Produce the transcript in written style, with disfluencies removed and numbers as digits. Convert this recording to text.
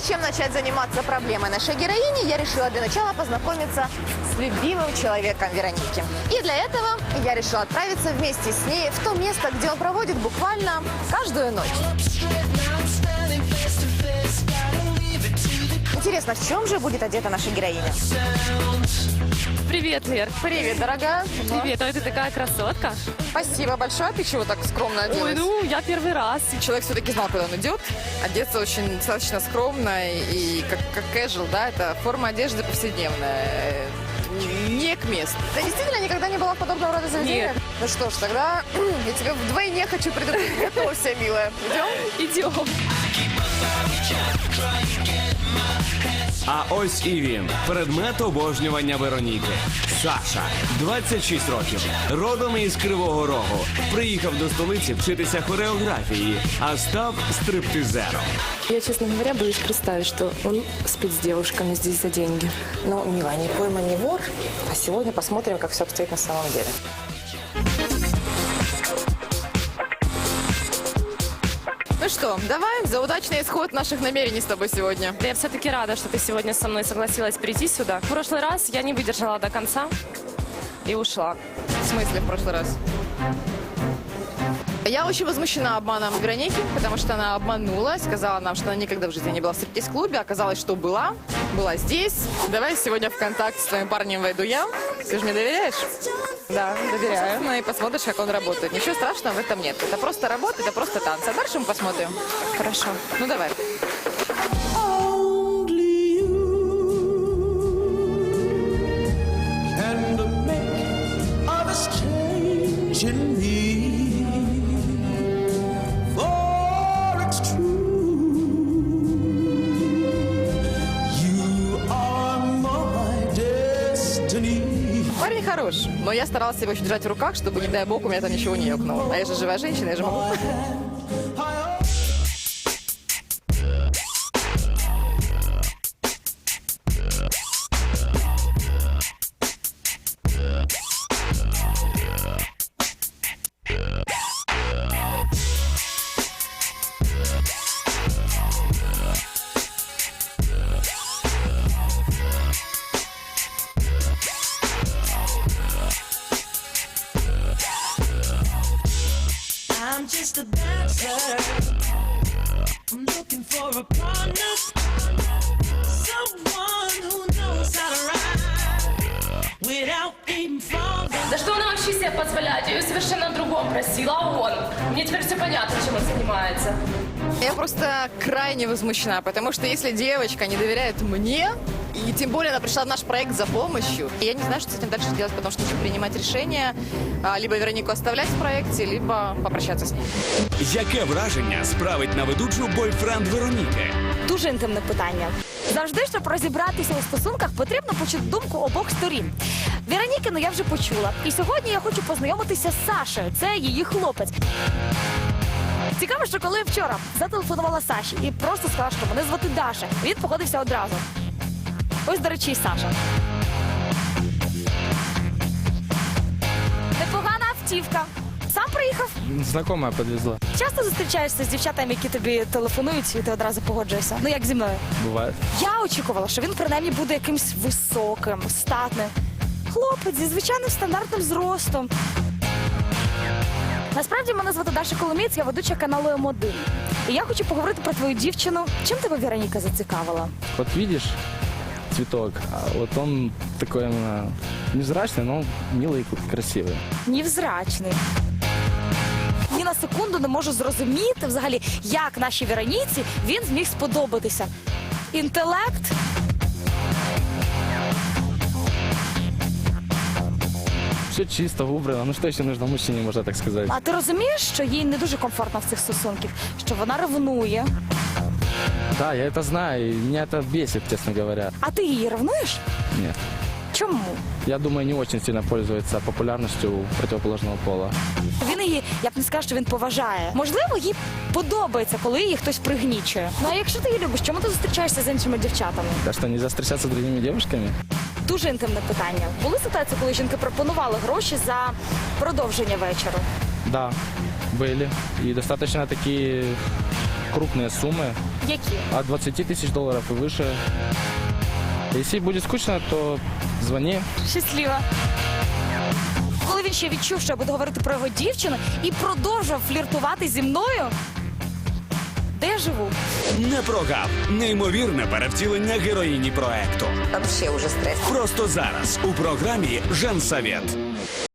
чем начать заниматься проблемой нашей героини, я решила для начала познакомиться с любимым человеком Вероники. И для этого я решила отправиться вместе с ней в то место, где он проводит буквально каждую ночь. Интересно, в чем же будет одета наша героиня? Привет, Лер. Привет, дорогая. Привет, ой, ты такая красотка. Спасибо большое. А ты чего так скромно оделась? Ой, ну, я первый раз. Человек все-таки знал, куда он идет. Одеться очень достаточно скромно и как casual, да, это форма одежды повседневная. Не к месту. Ты действительно никогда не была в подобного рода заведении? Нет. Ну что ж, тогда я тебя вдвойне хочу предупредить. Готовься, милая. Идем? Идем. А ось і він, предмет обожнювання Вероніки. Саша, 26 років, родом із Кривого Рогу. Приїхав до столиці вчитися хореографії, а став стриптизером. Я, честно говоря, боюсь представить, что он спит с девушками здесь за деньги. Но, милая, не пойма, не вор. А сегодня посмотрим, как все обстоит на самом деле. Ну что, давай за удачный исход наших намерений с тобой сегодня. Да я все-таки рада, что ты сегодня со мной согласилась прийти сюда. В прошлый раз я не выдержала до конца и ушла. В смысле в прошлый раз? Я очень возмущена обманом Вероники, потому что она обманула, сказала нам, что она никогда в жизни не была в стриптиз-клубе. Оказалось, что была здесь. Давай сегодня в контакт с твоим парнем войду я. Ты же мне доверяешь? Да, доверяю. Ну и посмотришь, как он работает. Ничего страшного в этом нет. Это просто работа, это просто танцы. А дальше мы посмотрим. Хорошо. Ну давай. Парень хорош, но я старалась его еще держать в руках, чтобы, не дай бог, у меня там ничего не ёкнуло. А я же живая женщина, я же могу. I'm just a dancer. I'm looking for a partner, someone who knows how to ride without being falling. Да что она вообще себе позволяет? Я ее совершенно о другом просила, а он? Мне теперь все понятно, чем он занимается. Я просто крайне возмущена, потому что если девочка не доверяет мне, и тем более она пришла в наш проект за помощью, я не знаю, что с этим дальше делать, потому что нужно принимать решение, либо Веронику оставлять в проекте, либо попрощаться с ней. Яке враження справить на ведучу бойфренд Вероніки? Дуже інтимне питання. Завжди, щоб розібратися у стосунках, потрібно почути думку обох сторін. Веронікину я вже почула. І сьогодні я хочу познайомитися з Сашею. Це її хлопець. Цікаво, що коли вчора зателефонувала Саші і просто сказала, що мене звати Даша, він погодився одразу. Ось, до речі, і Саша. Непогана автівка. Сам приїхав? Знакомая подвезла. Часто зустрічаєшся з дівчатами, які тобі телефонують, і ти одразу погоджуєшся? Ну, як зі мною? Бывает. Я очікувала, що він принаймні буде якимсь високим, статним. Хлопець зі звичайним стандартним зростом. Насправді мене звати Даша Коломієць, я ведуча каналу М1. І я хочу поговорити про твою дівчину. Чим тебе Вероніка зацікавила? Вот видишь цветок, а вот он такой именно невзрачный, но милый и красивый. Невзрачний. Ні на секунду не можу зрозуміти взагалі, як нашій Вероніці він зміг сподобатися. Інтелект? Все чисто, убрано. Ну что еще нужно мужчине, можно так сказать? А ти розумієш, що їй не дуже комфортно в цих стосунках? Що вона ревнує? Да, я это знаю, и меня это бесит, честно говоря. А ти її ревнуєш? Нет. Чому? Я думаю, не очень сильно пользуется популярностью у противоположного пола. Він її, я б не скажу, що він поважає. Можливо, їй подобається, коли її хтось пригнічує. Ну а якщо ти її любиш, чому ти зустрічаєшся з іншими дівчатами? Так что, нельзя встречаться с другими девушками? Дуже інтимне питання. Були ситуації, коли жінки пропонували гроші за продовження вечору? Да, были. И достаточно такие крупные суммы, Які? от 20 тысяч долларов и выше. Если будет скучно, то звони. Щаслива. Коли він ще відчув, що я буду говорити про його дівчину і продовжував фліртувати зі мною, де я живу? Не прогав. Неймовірне перевтілення героїні проекту. Вообще уже стресс. Просто зараз у програмі «Женсовет».